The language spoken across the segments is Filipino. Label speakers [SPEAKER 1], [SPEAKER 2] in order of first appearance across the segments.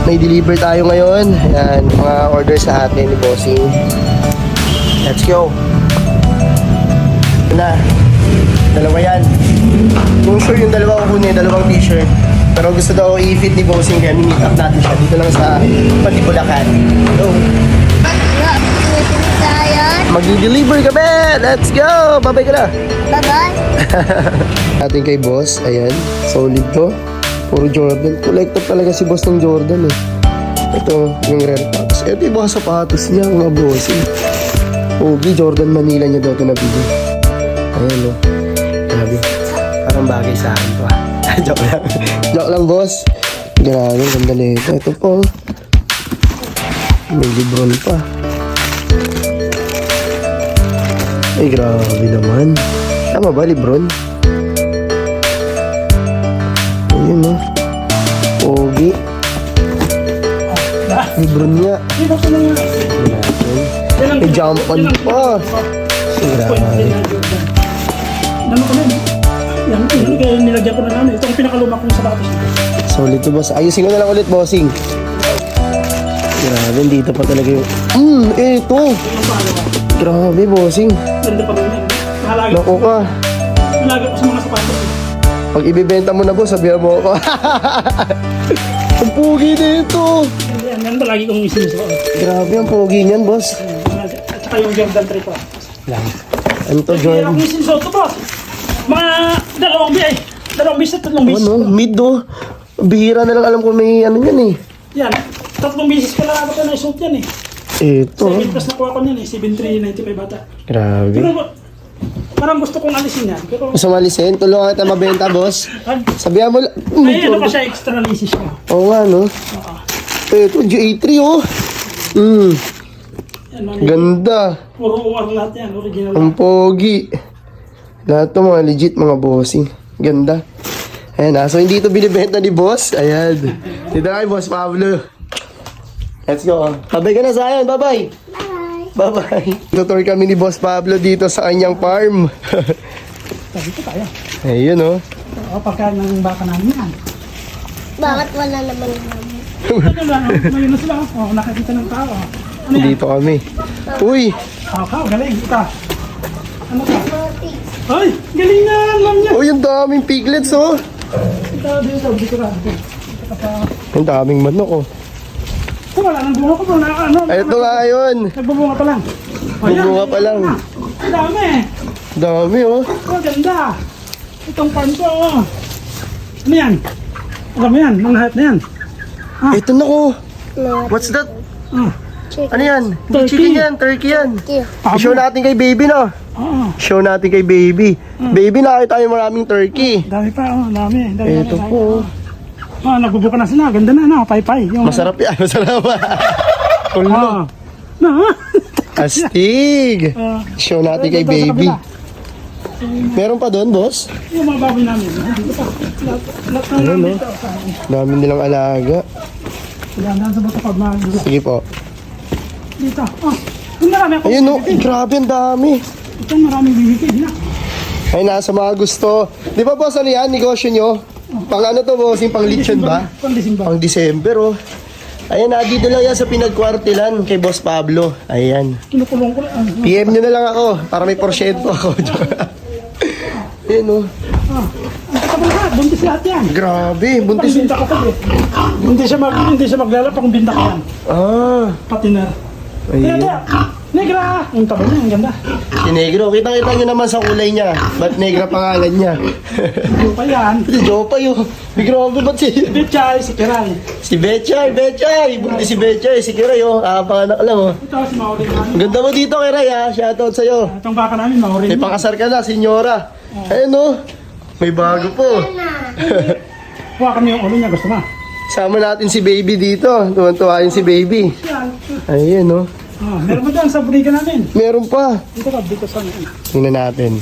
[SPEAKER 1] may deliver tayo ngayon. Ayan, mga order sa atin ni Bossing. Let's go. Ito na. Dalawa yan. Kung sure yung dalawa ko kunin, dalawang t-shirt. Pero gusto daw i-fit ni Bossing kaya meet up natin siya dito lang sa Patibulacan. So, mag-deliver ka ba? Let's go! Babay ka na!
[SPEAKER 2] Bye-bye!
[SPEAKER 1] Ating kay boss, ayan. Solid to. Puro Jordan. Collector talaga si boss ng Jordan eh. Ito, yung rare packs. Ito yung mga sapatos niya, mga bossing. Ogi, Jordan Manila niya daw ito nabili. Ayan o. Grabe. Parang bagay sa akin to ah. Joke lang. Joke lang boss. Grabe, ganda na ito. Ito po. May Lebron pa. Ay, grabe naman. Tama ba, Lebron? Ayun, no? Pogi. Lebron niya. May jump on pa. Grabe.
[SPEAKER 3] Dami ko na yun. Yan, kaya nilagyan ko na namin. Ito ang pinakaluma kong sapatos.
[SPEAKER 1] Solid to, boss. Ayusin ko na lang ulit, bossing. Grabe, dito pa talaga yung... ito. Grabe, bossing.
[SPEAKER 3] Ganda pa rin yan. Mahalaga.
[SPEAKER 1] Naku ka.
[SPEAKER 3] Mahalaga ko sa mga sapatos.
[SPEAKER 1] Pag ibibenta mo na, boss, sabihan mo ako. Ang pogi dito.
[SPEAKER 3] Yan ba lagi kong isinusuot.
[SPEAKER 1] Grabe, ang pogi niyan, boss.
[SPEAKER 3] At saka yung Jordan 3 pa.
[SPEAKER 1] Ano to,
[SPEAKER 3] Kaya
[SPEAKER 1] Jordan?
[SPEAKER 3] akong isinusuot ko, boss. Mga dalawang bis. Dalawang bis at tatlong bis.
[SPEAKER 1] Ano? Mid, do. Bihira na lang alam ko may ano yan eh.
[SPEAKER 3] Yan. Tatlong bisis ko lang ako na isuot yan eh.
[SPEAKER 1] Ito.
[SPEAKER 3] 7 plus nakuha ko yan eh. 7,395 bata.
[SPEAKER 1] Grabe.
[SPEAKER 3] Pero parang gusto kong alisin yan. Pero
[SPEAKER 1] Gusto malisin? Tulungan kita mabenta, boss. Sabihan mo lang.
[SPEAKER 3] ay ano pa siya extra lisis ko.
[SPEAKER 1] Oo nga, no?
[SPEAKER 3] Oo.
[SPEAKER 1] Ito, G83, oh.
[SPEAKER 3] Yan mami.
[SPEAKER 1] Ganda.
[SPEAKER 3] Puro uwar lahat yan. Original.
[SPEAKER 1] Ang pogi. Lahat to mga legit, mga bossing. Ganda. Ayan na. So, hindi ito binibenta ni boss. Ayan. Dito na kay Boss Pablo. Let's go. Babay ka na sa ayan. Bye-bye. Bye-bye. Tutor kami ni Boss Pablo dito sa kanyang farm.
[SPEAKER 3] Dito tayo.
[SPEAKER 1] Ayun, oh.
[SPEAKER 3] O pagkain ng baka namin yan.
[SPEAKER 2] Bakit wala naman naman?
[SPEAKER 3] Ano lang, ngayon na sila. O, nakakita ng tao. Ano yan?
[SPEAKER 1] Dito kami. Uy!
[SPEAKER 3] Kao, galing. Ito. Ano ka? Ay, galing na, alam niya.
[SPEAKER 1] Uy, ang daming piglets, oh.
[SPEAKER 3] Ito, dito ka.
[SPEAKER 1] Ang daming manok, oh.
[SPEAKER 3] Ito, wala nang bunga ko bro. Ano?
[SPEAKER 1] Ito nga yun.
[SPEAKER 3] Nagbubunga pa lang.
[SPEAKER 1] Nagbubunga pa lang.
[SPEAKER 3] Ang dami.
[SPEAKER 1] Dami, oh.
[SPEAKER 3] Oh, ganda. Itong farm ko, oh. Ano yan? Alam mo yan, mga hype na yan.
[SPEAKER 1] Ito na, oh. What's that?
[SPEAKER 3] Ah,
[SPEAKER 1] Ano yan? Hindi
[SPEAKER 3] Turkey.
[SPEAKER 1] chicken yan, turkey yan.
[SPEAKER 2] Thank
[SPEAKER 1] I-show natin kay baby, no?
[SPEAKER 3] oo.
[SPEAKER 1] Show natin kay baby. Baby, nakita tayo maraming turkey.
[SPEAKER 3] Dami pa, oh. Dami.
[SPEAKER 1] Ito po.
[SPEAKER 3] Oh, nagbubuka na sila. Ganda na, no? Pay-pay. Yung,
[SPEAKER 1] Masarap yan, masarap. Kulno.
[SPEAKER 3] Ah. Na,
[SPEAKER 1] Astig. Show natin kay baby. Meron pa doon, boss?
[SPEAKER 3] yung mga baboy namin. Dito pa. Lahat na
[SPEAKER 1] Ano, no?
[SPEAKER 3] dito.
[SPEAKER 1] Dami nilang alaga.
[SPEAKER 3] Dahan sa bata pag mga
[SPEAKER 1] Sige po.
[SPEAKER 3] dito. Oh, yung marami ako.
[SPEAKER 1] Ayun, no. Grabe, ang dami.
[SPEAKER 3] Ito maraming bibigay na.
[SPEAKER 1] Ay, nasa mga gusto. Di ba, boss, ano yan? Negosyo nyo? Pang ano to, boss? Yung pang lechon ba?
[SPEAKER 3] Pandisimba.
[SPEAKER 1] Pang December, oh. Ayan, dito lang yan sa pinagkwartilan kay Boss Pablo. Ayan.
[SPEAKER 3] Kinukulong ko lang.
[SPEAKER 1] PM nyo na lang ako para may porsyento ako. Ayan, oh.
[SPEAKER 3] Ang katabal lahat. Buntis lahat yan.
[SPEAKER 1] Grabe, buntis.
[SPEAKER 3] Binta ko to eh. Hindi siya maglalap kung binta ko yan.
[SPEAKER 1] Ah,
[SPEAKER 3] Patiner.
[SPEAKER 1] ayun.
[SPEAKER 3] Negra! Ang taba niya, ang ganda.
[SPEAKER 1] Si Negro, kitang-kita nyo naman sa kulay niya. Ba't Negra pangalan niya?
[SPEAKER 3] Ano pa yan?
[SPEAKER 1] Si Jopa yun. Grabe, ba't si...
[SPEAKER 3] Betchay, si Kiral.
[SPEAKER 1] Si Betchay! Buntis si Betchay, si Kiray, oh. Panganak lang, oh.
[SPEAKER 3] Ito si Maureen namin.
[SPEAKER 1] Ganda mo dito, Kiray, ha. Shoutout sa'yo.
[SPEAKER 3] Itong baka namin, Maureen.
[SPEAKER 1] May pakasar ka na, senyora. Ayun, oh. May bago po.
[SPEAKER 3] Kuha kami yung ulo niya, gusto mo?
[SPEAKER 1] Sama natin si baby dito. Tuwan-tuwa yun si baby.
[SPEAKER 3] Yan.
[SPEAKER 1] Ayun, oh.
[SPEAKER 3] Meron pa dyan sa buligan namin.
[SPEAKER 1] Meron pa.
[SPEAKER 3] Dito sa
[SPEAKER 1] Tingnan natin.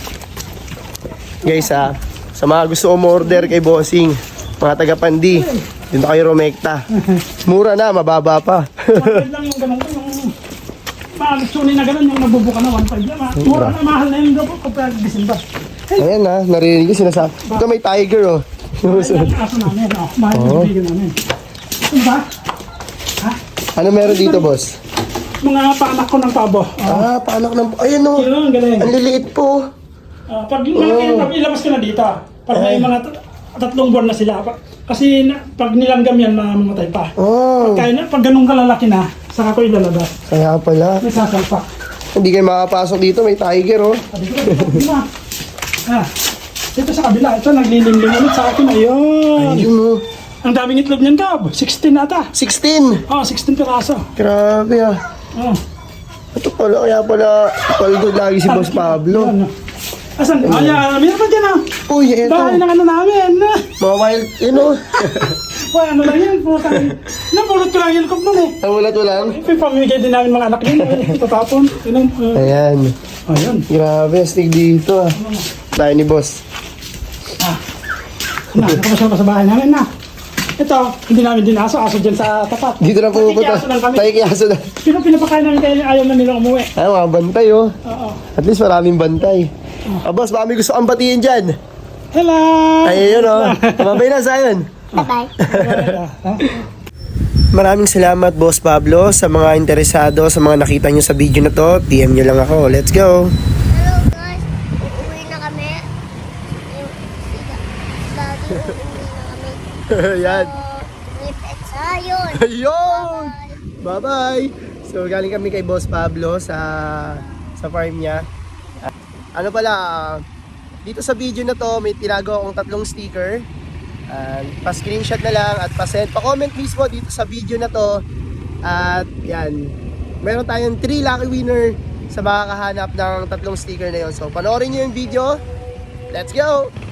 [SPEAKER 1] Guys, sa mga gusto umorder kay Bossing, mga taga-Pandi, dito kayo Romekta. Mura na, mababa pa.
[SPEAKER 3] 1.5 lang yung ganun ko, yung maalusunin na ganun, yung nagbubuka na 1.5 lang. Mura na, mahal na yung dobo kapag December.
[SPEAKER 1] Ayan na, narinig ko sinasabi. Ito may tiger, oh.
[SPEAKER 3] Yan ang aso namin, mahal yung buligan namin. Ano ba? Ha?
[SPEAKER 1] Ano meron dito, boss?
[SPEAKER 3] Mga paanak ko ng pabo.
[SPEAKER 1] Paanak ng... Ayun o.
[SPEAKER 3] Yun, galing.
[SPEAKER 1] Ang liliit po.
[SPEAKER 3] Pag malaki, pag ilabas ko na dito, pag may mga 3 buwan na sila, kasi pag nilanggam yan, mamamatay pa.
[SPEAKER 1] Oh.
[SPEAKER 3] Pag ganun kalalaki na, saka ko ilalabas.
[SPEAKER 1] Kaya pala.
[SPEAKER 3] May sasalpak.
[SPEAKER 1] Hindi kayo makapasok dito. May tiger, oh.
[SPEAKER 3] Sabi ko, dito sa kabila, ito naglilimlim ulit sa akin. Ayun.
[SPEAKER 1] Ayun, oh.
[SPEAKER 3] Ang daming itlog niyan, Gab. 16 ata.
[SPEAKER 1] 16.
[SPEAKER 3] 16 piraso.
[SPEAKER 1] Grabe, ah.
[SPEAKER 3] Oh.
[SPEAKER 1] Ito pala, kaya pala palgod lagi si Boss Pablo.
[SPEAKER 3] Yan, asan? Meron pa dyan,
[SPEAKER 1] Uy, eto.
[SPEAKER 3] bahay ng ano namin.
[SPEAKER 1] Mga wild, yun, oh.
[SPEAKER 3] Wala, ano lang yan. Napulot ko lang yung cup nun eh.
[SPEAKER 1] Namulat mo lang.
[SPEAKER 3] Pamimigay din namin mga anak din. Tatapon.
[SPEAKER 1] Ayan.
[SPEAKER 3] Ayun.
[SPEAKER 1] Grabe, astig dito, ah. Tayo ni Boss.
[SPEAKER 3] Nakakapasya pa sa bahay namin na. Ito, hindi namin dinaso. Aso dyan sa tapat.
[SPEAKER 1] Dito na pupunta.
[SPEAKER 3] Nakikiaso lang kami.
[SPEAKER 1] Nakikiaso na.
[SPEAKER 3] Pinapakain namin kayo ayaw na nilang umuwi.
[SPEAKER 1] Ay, mga bantay, oh.
[SPEAKER 3] Oo.
[SPEAKER 1] At least maraming bantay. Boss, baka may gusto kang batiin dyan.
[SPEAKER 3] Hello!
[SPEAKER 1] Ay, yun, oh. Mabay na, Zion.
[SPEAKER 2] Bye-bye.
[SPEAKER 1] Maraming salamat, Boss Pablo, sa mga interesado, sa mga nakita nyo sa video na to. PM nyo lang ako. Let's go!
[SPEAKER 2] Hello guys, uuwi na kami. Si Daddy uuwi na kami.
[SPEAKER 1] Yan.
[SPEAKER 2] Repeat sayon.
[SPEAKER 1] Ayun! Bye-bye! So, galing kami kay Boss Pablo sa farm niya. Ano pala, dito sa video na to, may tinago akong 3 sticker. Pa-screenshot na lang at pa-send. Pa-comment mismo dito sa video na to. At yan, meron tayong 3 lucky winner sa makakahanap ng 3 sticker na yon. So, panoorin nyo yung video. Let's go!